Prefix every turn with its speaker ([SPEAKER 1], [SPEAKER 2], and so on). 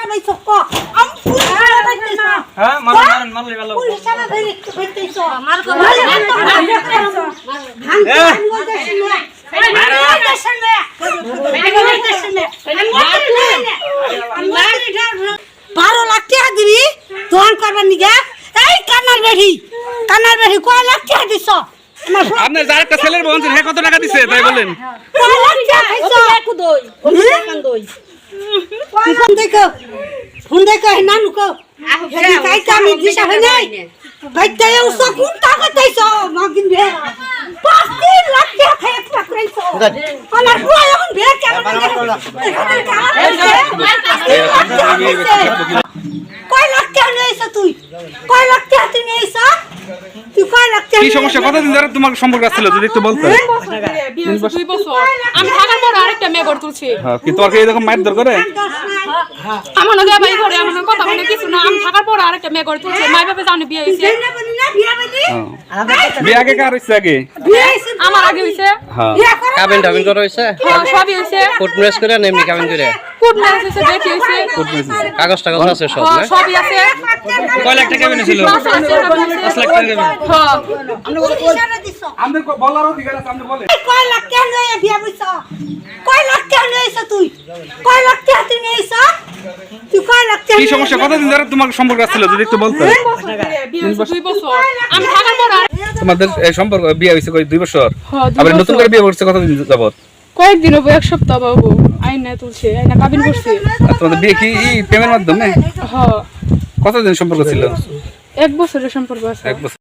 [SPEAKER 1] বাইছো ক আমি পুলিশ বাইতেছ
[SPEAKER 2] হ্যাঁ মারুন মারলে ভালো
[SPEAKER 1] পুলিশ না ধরে বাইতেছ
[SPEAKER 3] মার কো
[SPEAKER 1] বারো লাখ টাকা দিবি দোকান করবার নিগে এই কানার বেড়ি কয় লাখ টাকা দিছ
[SPEAKER 2] আপনার যার একটা ছেলের বোন হে কত টাকা দিছে তাই বলেন
[SPEAKER 1] কয় লাখ টাকা দিছ
[SPEAKER 3] একটু দই কান দই
[SPEAKER 1] ফোন দেখো নানু কো হেদি কাইতা আমি দিশা হয় নাই বাইতে উস কোন টাকা দিছ মাগিন বে 5 লাখ টাকা খাই একটা কইছো আমার বুয়া এখন বে কেমন কয় লাখ টাকা নিয়েছ তুই কয় লাখ টাকা তুই নিয়েছ তুই কয় লাখ টাকা
[SPEAKER 2] কি সমস্যা কতদিন ধরে তোমার সম্পর্ক ছিল যদি একটু বলতে
[SPEAKER 4] 2 বছর আমি থাকার পর আরেকটা মেয়ে গড় তুলছি
[SPEAKER 2] হ্যাঁ কি তোমাকে এরকম মারধর করে
[SPEAKER 4] আমার না ভাই ঘরে আমার কথা বলে কিছু না আমি থাকার পর আরেকটা মেয়ে গড় তুলছি মাই বাবা জানে বিয়ে হইছে
[SPEAKER 2] বিয়ে আগে কার হইছে আগে
[SPEAKER 4] আমার আগে হইছে
[SPEAKER 2] হ্যাঁ
[SPEAKER 5] কাবিন টাবিন করা হইছে
[SPEAKER 4] সবই হইছে
[SPEAKER 5] কোর্ট ম্যারেজ করে না এমনি কাবিন করে
[SPEAKER 4] কোর্ট ম্যারেজ হইছে দেখি হইছে
[SPEAKER 5] কাগজ টাগজ আছে সব না
[SPEAKER 4] সবই আছে
[SPEAKER 2] কয় লাখ টাকা কেমন ছিল 5 লাখ টাকা কেমন আমাদের বলার অধিকার আছে আপনি বলেন
[SPEAKER 1] কয় লাখ টাকা নিয়ে বিয়া হইছ কয় লাখ টাকা নিয়েছ তুই কয় লাখ টাকা তুই নিয়েছ তুই কয় লাখ টাকা
[SPEAKER 2] কি সমস্যা কতদিন ধরে তোমার সম্পর্ক ছিল যদি একটু বলতে
[SPEAKER 4] 2 বছর আমি থাকার পর
[SPEAKER 2] তোমাদের এই সম্পর্ক বিয়ে হইছে কই 2 বছর
[SPEAKER 4] হ্যাঁ, 2
[SPEAKER 2] আবার নতুন
[SPEAKER 4] বছর।
[SPEAKER 2] করে বিয়ে করছে কতদিন যাবত
[SPEAKER 4] কয়েকদিন হবে এক সপ্তাহ বাবু আইনা তুলছে আইনা কাবিন করছে
[SPEAKER 2] আর তোমাদের বিয়ে কি প্রেমের মাধ্যমে
[SPEAKER 4] হ্যাঁ
[SPEAKER 2] কতদিন সম্পর্ক ছিল
[SPEAKER 4] 1 বছরের সম্পর্ক আছে
[SPEAKER 2] 1 বছর